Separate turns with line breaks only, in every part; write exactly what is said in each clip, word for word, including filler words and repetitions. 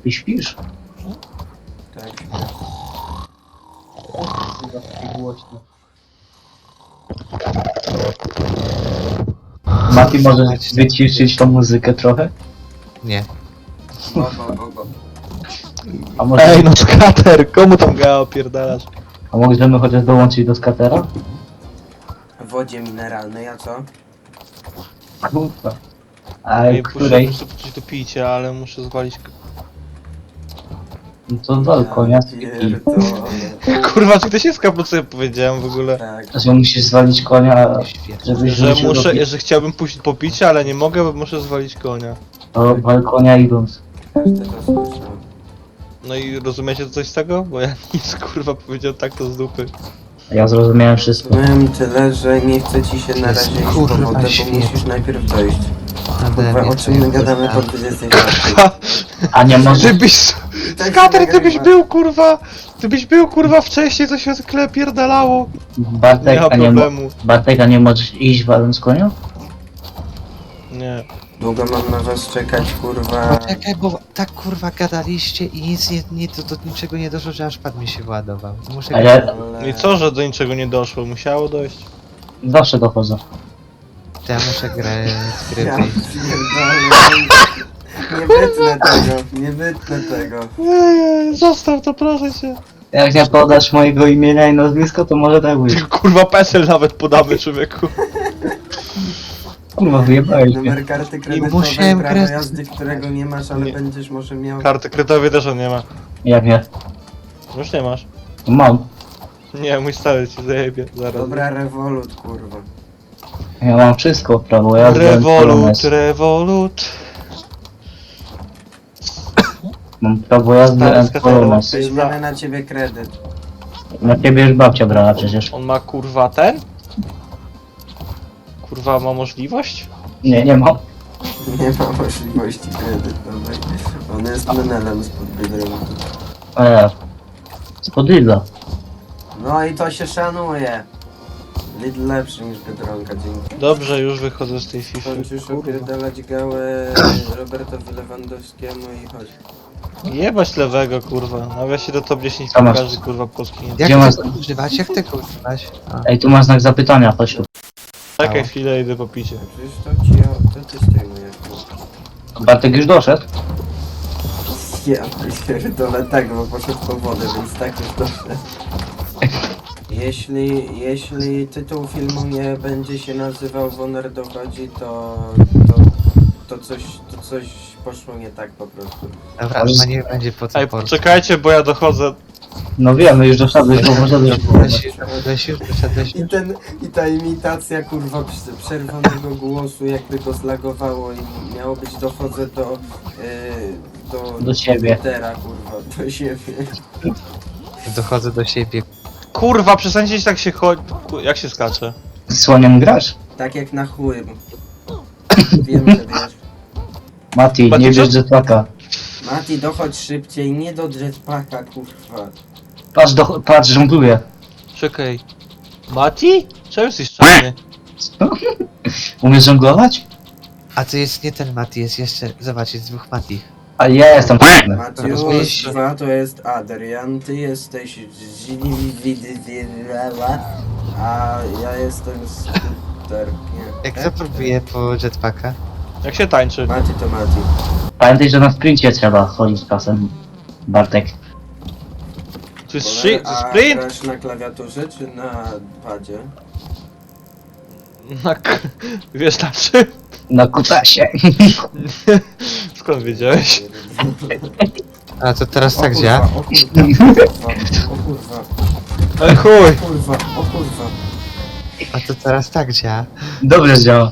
Ty śpisz?
Tak.
Chyba taki głośno. Mati, może wyciszyć tą muzykę trochę?
Nie.
Go, go, go, go.
A może,
Ej no skater, komu tam gała opierdalasz?
a możemy chociaż dołączyć do skatera?
W wodzie mineralnej, a co?
Kurwa. A
Ej, muszę,
której?
muszę coś do picia, ale muszę zwalić...
No to walko, nie?
Pierdolę.
Kurwa, czy ktoś jest po co ja powiedziałem w ogóle?
Tak.
Że musisz zwalić konia,
Świetnie.
żebyś
Że
wrócił do
muszę,
pi-
że chciałbym pójść po picie, ale nie mogę, bo muszę zwalić konia.
do balkonia idąc.
Każdy to słyszał.
No i rozumiecie coś z tego? Bo ja nic kurwa powiedział tak to z dupy.
Ja zrozumiałem wszystko.
Powiem tyle, że nie chcę ci się na razie iść po
Kurwa,
wodę, bo
świetnie.
musisz najpierw dojść.
Nade
Kurwa,
mnie
o czym my
twoje
gadamy po
kurwa.
dwudziestej czwartej?
A nie może...
Gdybyś...
Tak
Skater,
się
gdybyś
nagrywa.
był kurwa... Gdybyś był kurwa wcześniej, to się zwykle pierdalało. Nie
Bartek,
ma
a nie, mo...
problemu.
Bartek, a nie możesz iść waląc konia?
Nie.
Długo mam na was czekać, kurwa.
Poczekaj, bo tak kurwa gadaliście i nic nie, nie do, do niczego nie doszło, że aż pad mi się władował. Muszę
A
gadać.
ja
Ale...
I co, że do niczego nie doszło? Musiało dojść.
zawsze dochodzę.
To ja muszę grać z gry
Ja
wyjść.
pierdolę. Nie wytnę tego, nie wytnę tego.
Eee, zostaw to, proszę cię.
Jak nie podasz mojego imienia i nazwiska, to może tak być.
Kurwa, PESEL nawet podamy, człowieku.
Kurwa, wyjebałeś mnie.
Numer karty kredytowej,
musiałem
prawo
kres-
jazdy, którego nie masz, ale
Nie.
będziesz może miał...
Karty kredytowej też on nie ma.
Jak nie?
Już nie masz.
Mam.
Nie, mój stary ci zajebie, zaraz.
Dobra, rewolut, kurwa.
Ja mam wszystko, prawo jazdy.
Rewolut,
Polonez.
rewolut.
Mam prawo jazdy
Stary
and
skateru.
Polonez.
Weźmiemy na ciebie kredyt.
Na ciebie już babcia brała przecież.
On ma kurwa ten? Kurwa ma możliwość?
Nie, nie mam.
Nie ma możliwości kredytowej. On jest menelem spod Biedronki.
Eee. Spod Lidla.
No i to się szanuje. Lidl lepszy niż Biedronka, dzięki.
Dobrze, już wychodzę z tej FIFA.
Kończysz opierdalać gałę Robertowi Lewandowskiemu i chodź.
Jebać lewego kurwa. Nawet się do top dziesięć
Co masz?
każdy kurwa polski nie.
Jak
Gdzie masz-
tego używać? Jak tego używać? A.
Ej, tu masz znak zapytania, chodź tu.
Czekaj chwilę, idę po picie.
Przecież to ci, to ty zdejmujesz.
Bartek już doszedł?
Ja pierdolę tak, bo poszedł po wodę, więc tak już doszedł. Jeśli, jeśli tytuł filmu nie będzie się nazywał Woner dochodzi, to, to, to, coś, to coś poszło nie tak po prostu.
Dobra, chyba nie będzie po co
Ej,
por-
poczekajcie, bo ja dochodzę.
No wiem, już doszedłeś, bo może być...
Wyszedłeś już, wyszedłeś już, wyszedłeś
I,
już.
ten, I ta imitacja kurwa prze- przerwanego głosu jakby go zlagowało i miało być dochodzę do, yy, do,
Do siebie.
komputera, kurwa, do siebie.
Dochodzę do siebie.
Kurwa, przestańcie tak się chodzi. Jak się skacze?
Z słoniem grasz?
Tak jak na chuj. Wiem, że wiesz.
Mati,
Mati,
nie
co?
bierz jetpacka.
Mati, dochodź szybciej, nie do jetpacka, kurwa.
Patrz, do... patrz, żongluję.
Czekaj. Mati? Czemu jesteś czarny?
Umiesz żonglować?
A to jest nie ten Mati, jest jeszcze... Zobacz, jest dwóch Mati.
A ja jestem czarny.
Matiusz, dwa to jest Adrian, ty jesteś Ziniwidywirała, a ja jestem Skuter. Nie.
Jak zapróbuję po jetpacka?
Jak się tańczy?
Mati to Mati.
Pamiętaj, że na sprincie trzeba chodzić czasem. Bartek.
To jest shi-
A
sprint?
grasz na klawiaturze czy na padzie?
Na k- Wiesz na czym?
Na kutasie.
Skąd wiedziałeś?
A to teraz
O
tak
kurwa,
działa?
O kurwa, o kurwa,
Ale chuj!
o kurwa, o kurwa.
A to teraz tak działa?
Dobrze działa.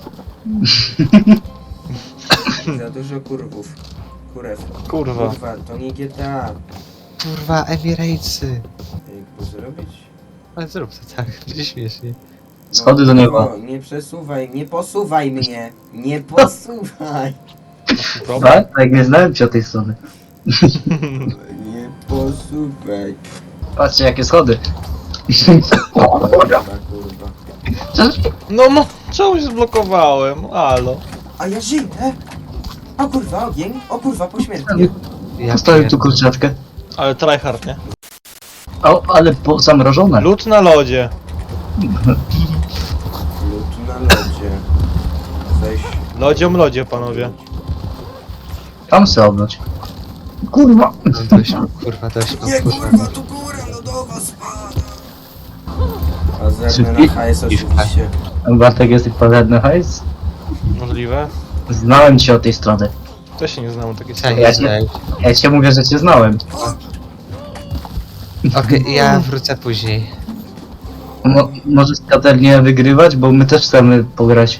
Za dużo kurwów. Kurew.
Kurwa.
Kurwa, to nie G T A.
Kurwa, Emirejcy.
Ej, zrobić?
Ale zrób to tak, będzie śmiesznie.
Schody do nieba.
No, nie przesuwaj, nie posuwaj mnie! Nie posuwaj!
Problem?
Bartek, nie znałem cię o tej strony.
Nie posuwaj.
Patrzcie, jakie schody.
Kurwa, kurwa.
No mo, czemu się zblokowałem? Halo.
A ja żyję! O kurwa, ogień! O kurwa, pośmiertnie!
Ja
Postawił tu
pierdolę.
kurczatkę.
Ale tryhard, nie?
O, ale po, zamrożone.
Lód na lodzie.
Lód na lodzie. Weź.
Lodziom lodzie, panowie.
Tam se obróć. Kurwa!
No dość, kurwa, dość, no,
Nie
kurwa.
kurwa, tu góra lodowa spada. Pazerny na hajs oczywiście.
Bartek, jesteś pazerny hajs?
Możliwe.
Znałem cię od tej strony.
Też się nie znam takiej
Ja
strony.
nie
Ja
znałem.
Ja cię mówię, że cię znałem.
Okej, ja wrócę później.
Mo możesz katernie wygrywać, bo my też chcemy pograć.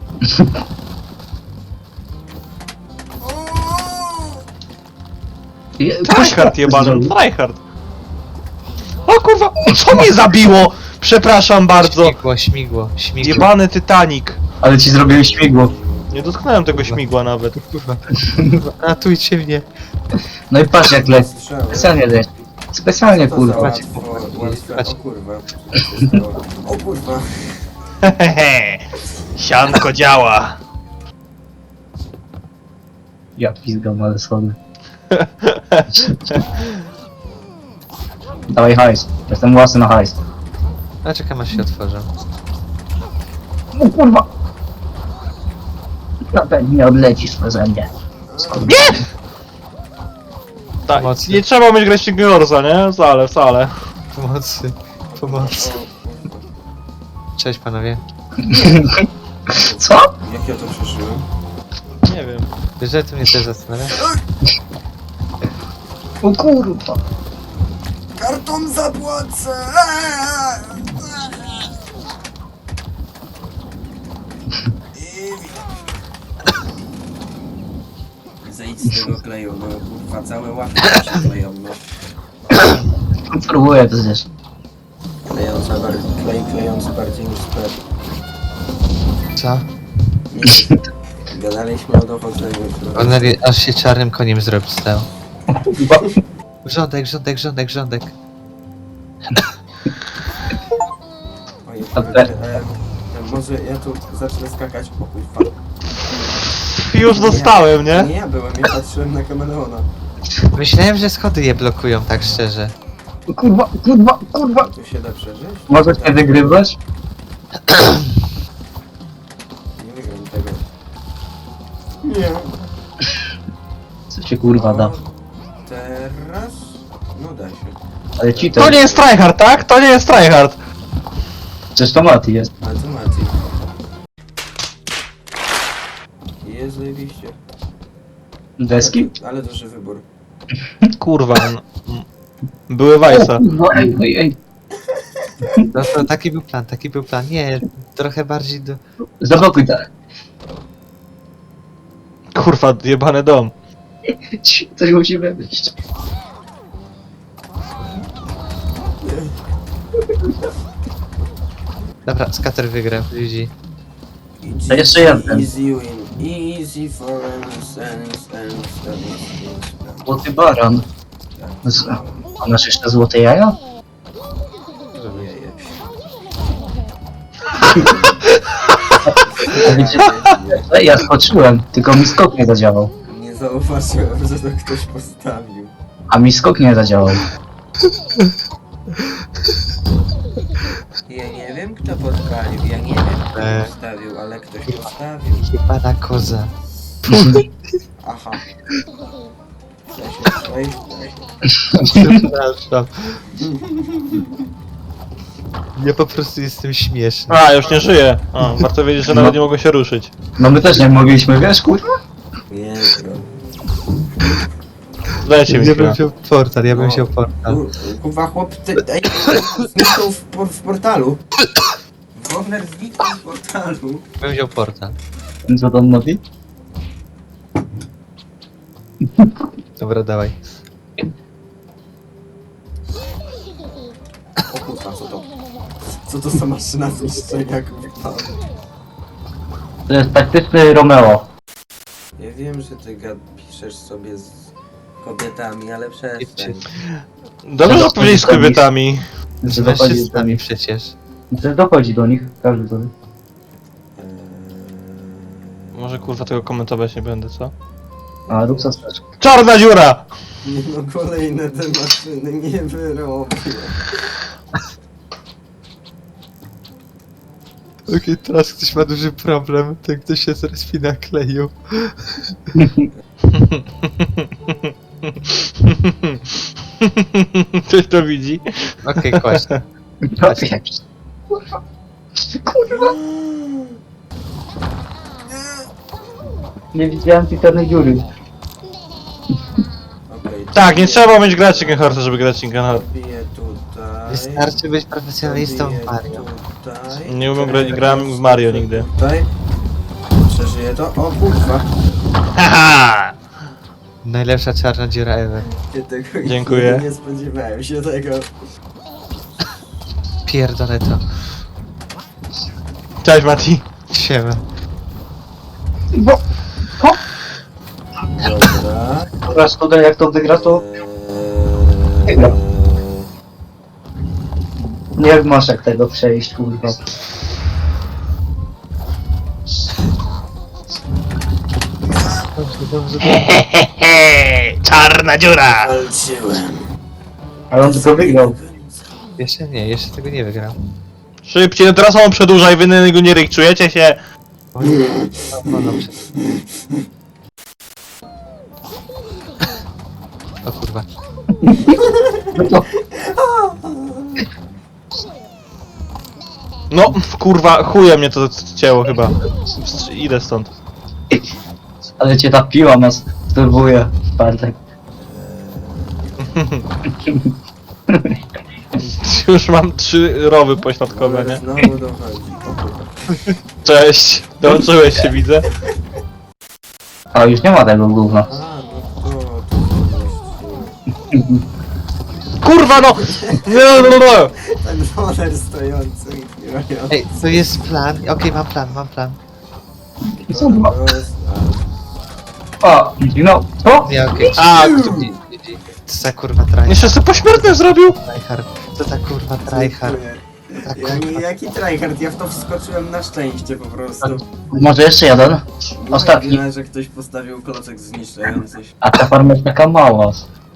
Je-
Tryhard jebany,
zrobił.
tryhard. O kurwa, co mnie zabiło? Przepraszam bardzo.
Śmigło, śmigło, śmigło.
Jebany Titanic.
Ale ci zrobiłem śmigło.
Nie dotknąłem tego śmigła nawet.
Kurwa, ratujcie mnie.
No i patrz jak leci.
Strzały.
Specjalnie leci. Specjalnie
Co to za
kurwa.
łatwo- łatwe- O kurwa. Co się stało? O kurwa.
Hehehe. Sianko działa.
Ja pizgam, ale schody. Dawaj hajs. Jestem własny na hajs.
A czekam aż się otworzę.
O kurwa! Na pewno nie odlecisz przeze mnie.
Nie! Tak,
Mocno.
nie trzeba mieć grać Gorsa, nie? Wcale, wcale.
Pomocy, pomocy. Cześć panowie.
Co?
Jak ja to przeżyłem?
Nie wiem.
Wiesz, że to mnie też zastanawia?
O kurwa!
Kartą zapłacę! Zejdź z tego kleju, no kurwa, całe łapy się kleją, no.
Próbuję to zjeść.
Klejąca bardziej, klej klejący bardziej niż sklep.
Co?
Nie, gadaliśmy o dochodzeniu.
On nagle aż się czarnym koniem zrobił stał.
Kurwa.
Rządek, rządek, rządek, rządek.
Oj,
A
kurde,
te-
e, może ja tu zacznę skakać, o kurwa.
Już dostałem, nie?
Nie ja byłem, ja patrzyłem na kameleona.
Myślałem, że schody je blokują, tak szczerze.
Kurwa, kurwa, kurwa!
Tu się da przeżyć?
Możesz nie wygrywać?
Nie wygram tego. Nie.
Co się kurwa da?
O, teraz? No da się.
Ale ci
To nie jest tryhard, tak? To nie jest tryhard.
Przecież to Mati jest.
Ale to Mati. Jest zajebiście.
Deski?
Ale duży wybór.
Kurwa. no. Były Weissa.
No ej, ej, ej.
No to taki był plan, taki był plan. Nie, trochę bardziej do...
Zablokuj tak.
Kurwa, jebany dom.
Ci- Coś musimy wyjść.
Dobra, skater wygrał, ludzi.
Easy,
To jeszcze jeden.
Easy win. Easy for us and and and
Złoty baran. Z- A masz jeszcze złote jaja? A wiecie, ej, ja skoczyłem, tylko mi skok nie zadziałał.
Nie zauważyłem, że to ktoś postawił.
A mi skok nie zadziałał.
Ja nie wiem kto podpalił, ja nie wiem kto
Eee.
postawił, ale ktoś postawił.
Chyba na koza.
Aha. Da się przejść, da się.
Przepraszam. Ja po prostu jestem śmieszny.
A, już nie żyję. A, warto wiedzieć, że nawet nie mogę się ruszyć.
No my też nie mogliśmy, wiesz, kurwa?
Jezu.
Dajcie mi
Ja bym
chwilę.
wziął portal, ja bym
No.
wziął portal.
Kur- Kurwa chłop, ty, ej, zniknął w, por, w portalu. Wogner zniknął w portalu.
Bym wziął portal.
Co tam mówi?
Dobra, dawaj.
O kurwa, co to? Co to za maszyna zniszczenia, kurwa?
To jest taktyczny Romeo.
Ja wiem, że ty gad piszesz sobie z kobietami, ale przestań.
Dobrze, że powiedzieli z kobietami.
Że
Z
dochodzi do
mężczyznami
nich.
przecież.
Że dochodzi do nich, każdy to wie.
Eee,
Może kurwa tego komentować nie będę, co?
A, Ruxas też.
Czarna dziura!
Nie no, kolejne te maszyny nie wyrobię.
Okej, teraz ktoś ma duży problem, ten ktoś się zrespi nakleił.
Ktoś to widzi?
Okej, kłaść.
No, jak? Kurwa. Kurwa. Nie widziałem piekarnej dziury.
Okej,
Tak, nie trzeba mieć grać Chicken Horse, żeby grać Chicken Horse.
Biję tutaj.
Wystarczy być profesjonalistą
biję
w Mario.
tutaj.
Nie umiem grać, grałem w Mario nigdy.
Tutaj. Przeżyję to. O kurwa.
Haha!
Najlepsza czarna dziura ever.
Nie, tego
Dziękuję.
Nie spodziewałem się tego.
Pierdolę to.
Cześć Mati.
Siema.
Bo... Ho!
Dobra.
Dobra, szkoda, jak to wygra, to
Eee,
Wygra. nie masz jak tego przejść, kurwa.
Dobrze, dobrze,
Hehehe! Czarna dziura!
walczyłem.
Ale on tylko wygrał.
Jeszcze nie, jeszcze tego nie wygram.
Szybciej, no teraz on przedłuża i wy na niego nie ryk, czujecie się?
O, nie. O, dobrze. O kurwa.
No to
No, kurwa, chuje mnie to cięło chyba. Idę stąd.
ale cię ta piła nas turbuje, Bartek.
Już mam trzy rowy pośladkowe,
Ale
nie?
znowu dochodzi. O kurwa.
Cześć, dołączyłeś się, widzę.
A już nie ma tego gówna.
A, no to... to jest...
Kurwa no! Nie, no, no, no.
Ten roller stojący i kierujący.
Ej, to jest plan. Okej, mam plan, mam plan.
Co dwa?
Roz-
A, no, co?
Nie, okej.
A,
Co za kurwa tryhard?
jeszcze sobie pośmiertne zrobił?
Tryhard. Co za kurwa tryhard?
Dziękuję.
Tak,
Ja, nie, jaki tryhard? Ja w to wskoczyłem na szczęście po prostu.
Może jeszcze jeden?
Była
Ostatni.
chwila, że ktoś postawił klocek zniszczający się.
A ta farma jest taka mała.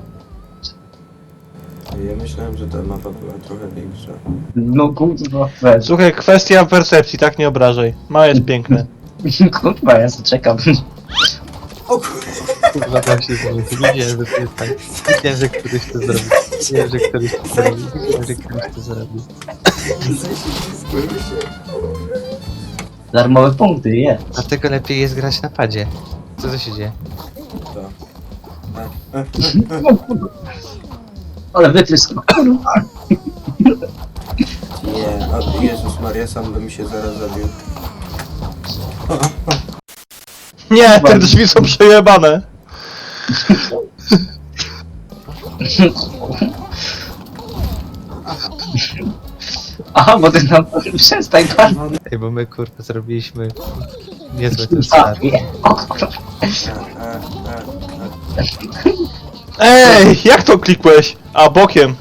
Ja myślałem, że ta mapa była trochę większa.
No kurwa, weź.
Słuchaj, kwestia percepcji, tak nie obrażaj. Małe jest piękne.
Kurwa, ja sobie czekam.
O kurde!
Kurwa, tam się zrobił. Wiedziałem, że to jest tak. Wiedziałem, że któryś to zrobi. Wiedziałem, że któryś to zrobi. Wiedziałem, że któryś to zrobi.
Ześlizgłem się.
Darmowe punkty, je.
Dlatego lepiej jest grać na padzie. Co to się dzieje?
To. A, a,
Ale wytrysk, kurwa.
nie, o Jezus Maria, sam bym się zaraz zabił.
Nie, te drzwi są przejebane.
Aha, bo ty nam przestań pan.
Ej, bo my kurwa zrobiliśmy niezły ten
A,
start.
nie. O, kurwa.
A, a, a, a.
Ej, jak to klikłeś? A, bokiem.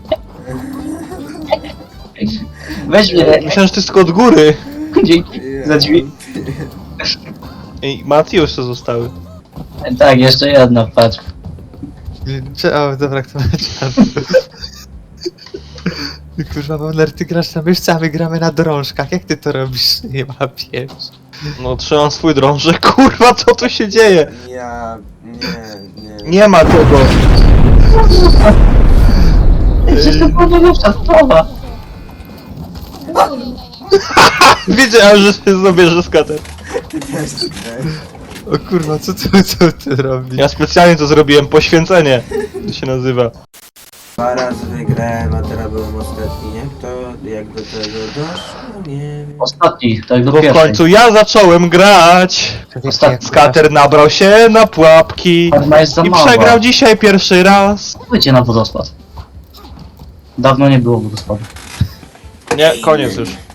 Weź mnie.
Myślałem, że to jest tylko od góry.
Dzięki za drzwi.
Ej, Mati jeszcze zostały.
Tak, jeszcze jedna, patrz.
Cze- O, dobra, kto ma czas? Kurwa, Boner, ty grasz na myszce, a my gramy na drążkach. Jak ty to robisz? Nie ma pies.
No, trzymam swój drążek. Kurwa, co tu się dzieje?
Ja... nie, nie.
Nie ma tego.
Przecież to była najlepsza sprawa.
Wiedziałem, że się zabierze skater.
Ty też tutaj.
O kurwa, co ty, co ty robisz?
Ja specjalnie to zrobiłem, poświęcenie. To się nazywa.
Dwa razy wygrałem, a teraz byłem ostatni. Jak to, jak do tego doszło? Nie wiem.
Ostatni, tak do
Bo w
pierwszej.
końcu ja zacząłem grać.
Ostatni.
Skater nabrał się na pułapki.
Farma jest za
I
mała.
przegrał dzisiaj pierwszy raz.
Pójdźcie na wodospad. Dawno nie było wodospadu.
Nie, koniec już.